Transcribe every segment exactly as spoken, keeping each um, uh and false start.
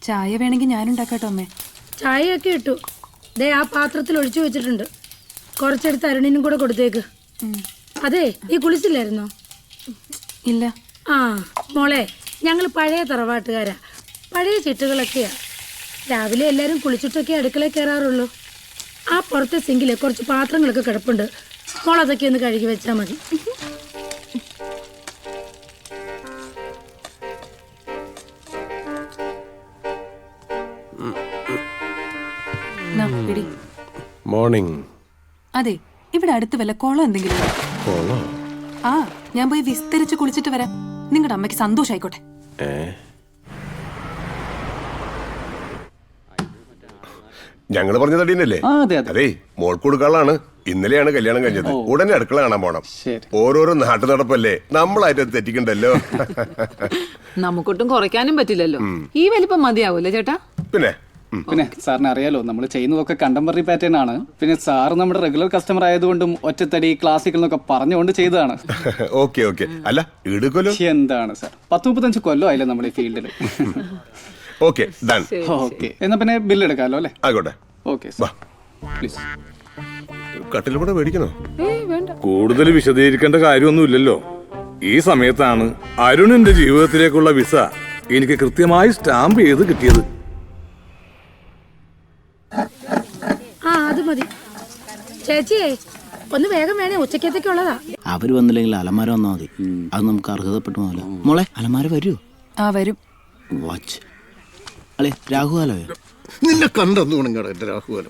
ചായ വേണമെങ്കിൽ ഞാനുണ്ടാക്കാട്ടോ അമ്മേ. ചായയൊക്കെ ഇട്ടു. ദേ ആ പാത്രത്തിൽ ഒഴിച്ചു വെച്ചിട്ടുണ്ട്. കുറച്ചെടുത്ത് അരുണിനും കൂടെ കൊടുത്തേക്ക്. അതെ, നീ കുളിച്ചില്ലായിരുന്നോ? ഇല്ല. ആ മോളെ, ഞങ്ങൾ പഴയ തറവാട്ടുകാരാ. പഴയ ചിട്ടുകളൊക്കെയാ. രാവിലെ എല്ലാവരും കുളിച്ചിട്ടൊക്കെ അടുക്കളയിൽ കയറാറുള്ളൂ. ആ പുറത്തെ സിങ്കില് കുറച്ച് പാത്രങ്ങളൊക്കെ കിടപ്പുണ്ട്. മോൾ അതൊക്കെ ഒന്ന് കഴുകി വെച്ചാൽ മതി. മോർണിംഗ്. അതെ, ഇവിടെ അടുത്ത് വല്ല കുളം എന്തെങ്കിലും ഉണ്ടോ? ആ, ഞാൻ പോയി വിസ്തരിച്ച് കുളിച്ചിട്ട് വരാം. നിങ്ങളുടെ അമ്മയ്ക്ക് സന്തോഷായിക്കോട്ടെ. ഞങ്ങള് പറഞ്ഞ തടീനല്ലേ? അതെ, മോൾക്ക് കൊടുക്കാളാണ്. ഇന്നലെയാണ് കല്യാണം കഴിഞ്ഞത്. ഉടനെ അടുക്കള കാണാൻ പോണം. ഓരോരോ നാട്ടു നടപ്പല്ലേ, നമ്മളായിട്ട് തെറ്റിക്കണ്ടല്ലോ. നമുക്കൊട്ടും കുറയ്ക്കാനും പറ്റില്ലല്ലോ. ഈ വലിപ്പം മതിയാവൂല്ലേ ചേട്ടാ? പിന്നെ പിന്നെ സാറിന് അറിയാലോ, നമ്മൾ ചെയ്യുന്നതൊക്കെ കണ്ടംപററി പാറ്റേൺ ആണ്. പിന്നെ സാറ് നമ്മുടെ റെഗുലർ കസ്റ്റമർ ആയതുകൊണ്ടും ഒറ്റത്തടി ക്ലാസിക്കൽ എന്നൊക്കെ പറഞ്ഞുകൊണ്ട് ചെയ്തതാണ്. Okay okay. അല്ല ഇടുക്കല്ലോ. എന്താണ് സാർ, പത്ത് മുപ്പത്തഞ്ച് കൊല്ലം ആയില്ലേ നമ്മുടെ ഈ ഫീൽഡിൽ. Okay done. ഓക്കെ, എന്നാ പിന്നെ ബില്ല് എടുക്കാമല്ലോ അല്ലേ? ആയിക്കോട്ടെ. Okay please. കട്ടിലൂടെ മേടിക്കണോ? കൂടുതൽ വിശദീകരിക്കേണ്ട കാര്യമൊന്നുമില്ലല്ലോ. ഈ സമയത്താണ് അരുണിന്റെ ജീവിതത്തിലേക്കുള്ള വിസ എനിക്ക് കൃത്യമായി സ്റ്റാമ്പ് ചെയ്ത് കിട്ടിയത്. ആ അത് മതി. ചേച്ചിയെ ഒന്ന് വേഗം വേണേ, ഉച്ചക്കത്തേക്കുള്ളതാ. അവര് വന്നില്ലെങ്കിൽ അലമാര വന്നാൽ മതി. അത് നമുക്ക് അർഹതപ്പെട്ടു പോകല. മോളെ അലമാര വരൂ. ആ വരും. വാച്ച് അളെ രാഹുകാലോ? നിന്നെ കണ്ടെന്നുണങ്ങട എന്റെ രാഹുകാലം.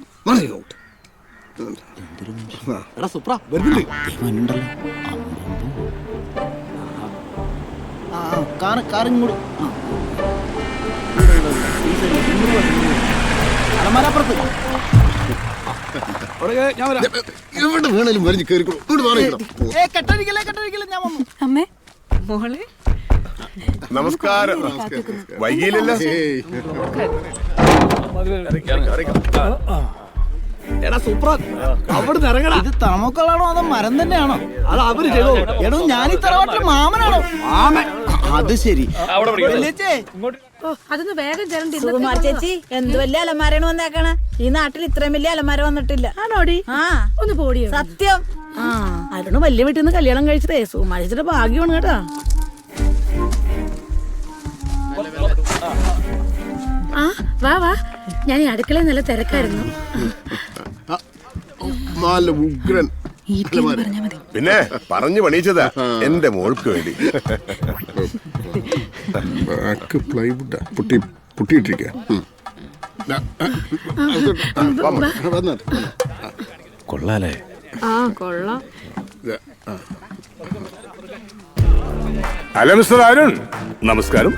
എവിടെ വേണേലും വരിഞ്ഞ് കയറിക്കോളൂ. അമ്മേ മോളെ നമസ്കാരം. വൈകിയില്ലല്ലോ. ഇത് തമക്കളാണോ അതോ മരം തന്നെയാണോ? എടോ ഞാൻ ഈ തറവാട്ടിലെ മാമനാണോ? അത് ശരി. അതൊന്ന് വേഗം ചേരണ്ടി. സുകുമാർ ചേച്ചി, എന്ത് വലിയ അലമാരയാണ് വന്നേക്കണ. ഈ നാട്ടിൽ ഇത്രയും വലിയ അലമാര വന്നിട്ടില്ല. ആണോടി? ആ ഒന്ന് പോടിയോ. സത്യം. ആ അരുണ് വലിയ വീട്ടിൽ നിന്ന് കല്യാണം കഴിച്ചതേ സുകുമാർ ചേച്ചിയുടെ ഭാഗ്യമാണ് കേട്ടാ. ആ വാ വാ, ഞാൻ ഈ അടുക്കളയിൽ നല്ല തിരക്കായിരുന്നു. ഉഗ്രൻ. പിന്നെ പറഞ്ഞു പണിയിച്ചതാ എന്റെ മോൾക്ക് വേണ്ടി. പ്ലൈവുഡ് പൊട്ടി പൊട്ടിയിട്ടിരിക്കുക. കൊള്ളാലേ? ആ കൊള്ളാം. ഹലോ മിസ്റ്റർ അരുൺ, നമസ്കാരം.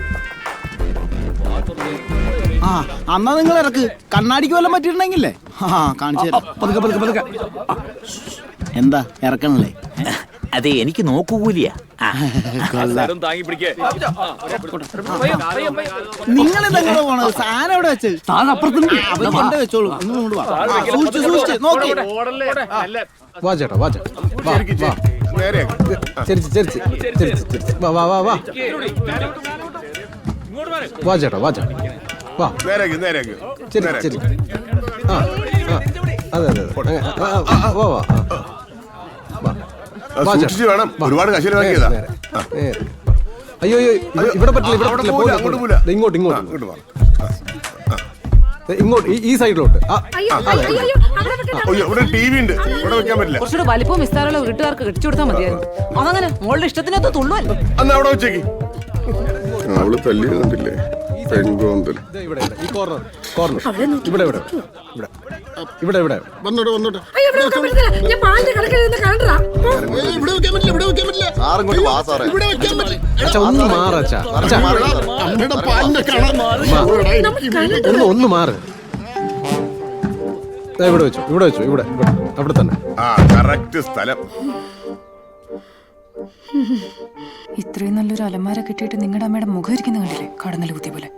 ആ അന്നാ നിങ്ങൾ ഇറക്ക്. കണ്ണാടിക്ക് വല്ലതും പറ്റിയിട്ടുണ്ടെങ്കിലേ ആ കാണിച്ചു തരാം. എന്താ ഇറക്കണല്ലേ? അതെ, എനിക്ക് നോക്കൂലിയാ. നിങ്ങൾ ഇതെങ്ങനെ പോണത്? സാധനം എവിടെ വെച്ച്? അവര് കൊണ്ട് വെച്ചോളൂ. സൂക്ഷിച്ച് സൂക്ഷിച്ച് നോക്കി. വാ ചേട്ടാ, വാ ചേട്ടാ. വാ ചേട്ടാ, വാ ചേട്ടാ, വാ. നേരേക്ക് നേരേക്ക്. ആ അതെ അതെ വാ വാ. സൂക്ഷിച്ച് വേണം, ഒരുപാട് കശില വാങ്ങിയതാ. അയ്യോ അയ്യോ, ഇവിടെ പറ്റില്ല, ഇവിടെ പറ്റില്ല. ഇങ്ങോട്ട് ഇങ്ങോട്ട് ഇങ്ങോട്ട് ഈ സൈഡിലോട്ട്. ഇവിടെ ടി വി ഉണ്ട്, ഇവിടെ വെക്കാൻ പറ്റില്ല. കുറച്ചുകൂടെ വലിപ്പവും വിസ്താരമുള്ള വീട്ടുകാർക്ക് കെട്ടിച്ചു കൊടുത്താൽ മതിയായിരുന്നു. അതങ്ങനെ മോളുടെ ഇഷ്ടത്തിനകത്ത് തുള്ളുവല്ലോ. അന്ന് അവിടെ വെച്ചേക്ക്. അവള് തല്ലിയിരുന്നില്ലേ? ഇവിടെ ഈ കോർണർ കോർണർ ഇവിടെ ഇവിടെ ഇവിടെ ഇവിടെ വന്നോട്ടെ വന്നോട്ടെ. ഞാൻ പാലിന്റെ കിടക്കരുന്ന് കണ്ടാ. ഇവിടെ വെക്കാൻ പറ്റില്ല, ഇവിടെ വെക്കാൻ പറ്റില്ല. ഇവിടെ വെക്കാൻ പറ്റില്ല. അച്ഛാ ഒന്ന് മാറച്ചാ. അമ്മയുടെ പാലിന്റെ കാണാൻ ഒന്ന് ഒന്ന് മാറ്. ഇവിടെ വെച്ചോ, ഇവിടെ വെച്ചോ, ഇവിടെ അവിടെ തന്നെ. ആ കറക്റ്റ് സ്ഥലം. ഇത്രയും നല്ലൊരു അലമാര കിട്ടിയിട്ട് നിങ്ങളുടെ അമ്മയുടെ മുഖം ഇരിക്കുന്ന കണ്ടില്ലേ? കടന്നൽ കുത്തി പോലെ.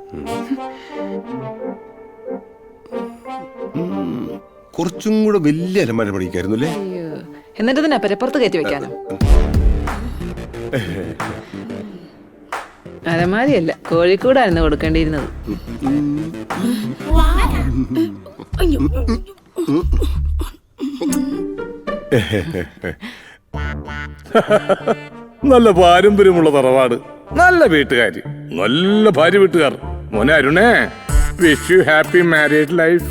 കുറച്ചും കൂടെ വലിയ അലമാര പഠിക്കായിരുന്നു അല്ലേ? എന്നിട്ട് തന്നെ പെരപ്പുറത്ത് കയറ്റി വെക്കാനോ? അലമാരിയല്ല കോഴിക്കൂടായിരുന്നു കൊടുക്കേണ്ടിയിരുന്നത്. നല്ല പാരമ്പര്യമുള്ള തറവാട്, നല്ല വീട്ടുകാരി, നല്ല ഭാര്യ വീട്ടുകാർ. മോനെ അരുണേ, wish you happy married life.